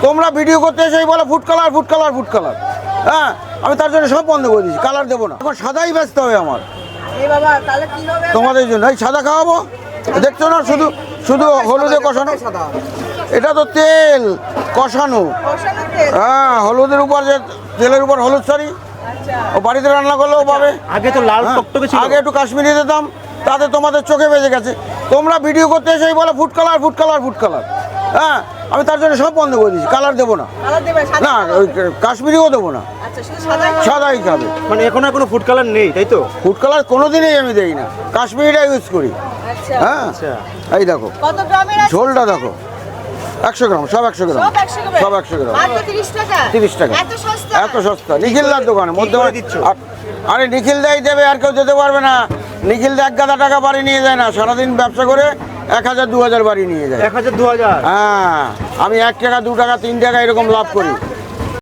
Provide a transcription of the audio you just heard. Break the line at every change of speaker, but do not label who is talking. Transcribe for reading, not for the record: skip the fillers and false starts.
তোমরা ভিডিও করতে এসেই বলে food colour food colour food colour. হ্যাঁ, আমি তার জন্য সব বন্ধ করে দিয়েছি, কালার দেবো না। এখন সাদাই ব্যস্ত হবে আমার তোমাদের জন্য। এই সাদা খাওয়াবো, দেখছো না, শুধু শুধু হলুদে কষানো। এটা তো তেল কষানো। হ্যাঁ, হলুদের উপর যে তেলের উপর হলুদ শাড়ি, ও বাড়িতে রান্না করলেও পাবে।
আগে তো লাল টকটকে ছিল,
আগে একটু কাশ্মীরি দিতাম, তাতে তোমাদের চোখে বেজে গেছে। তোমরা ভিডিও করতে এসেই বলে food colour food colour food colour. হ্যাঁ, আমি তার জন্য সব বন্ধ করে দিয়েছি, কালার দেবো না। না, ওই কাশ্মীরিও দেবো না, সাদাই খাবে।
মানে এখন আর কোনো ফুড কালার নেই, তাই তো?
ফুড কালার কোনোদিনই আমি দেই না, কাশ্মীরিটা ইউজ করি। হ্যাঁ, এই দেখো ঝোলটা দেখো, 100 গ্রাম, সব 100 গ্রাম, সব 100 গ্রাম, 30 টাকা। এত সস্তা নিখিলদার দোকানে মধ্যে
দিচ্ছ?
আরে নিখিল দাই দেবে, আর কেউ যেতে পারবে না। নিখিল দা 1 গাদা টাকা বাড়ি নিয়ে যায় না, সারাদিন ব্যবসা করে 1000 2000 বাড়ি নিয়ে যায়।
1000 2000?
হ্যাঁ, আমি 1 টাকা 2 টাকা 3 টাকা এরকম লাভ করি।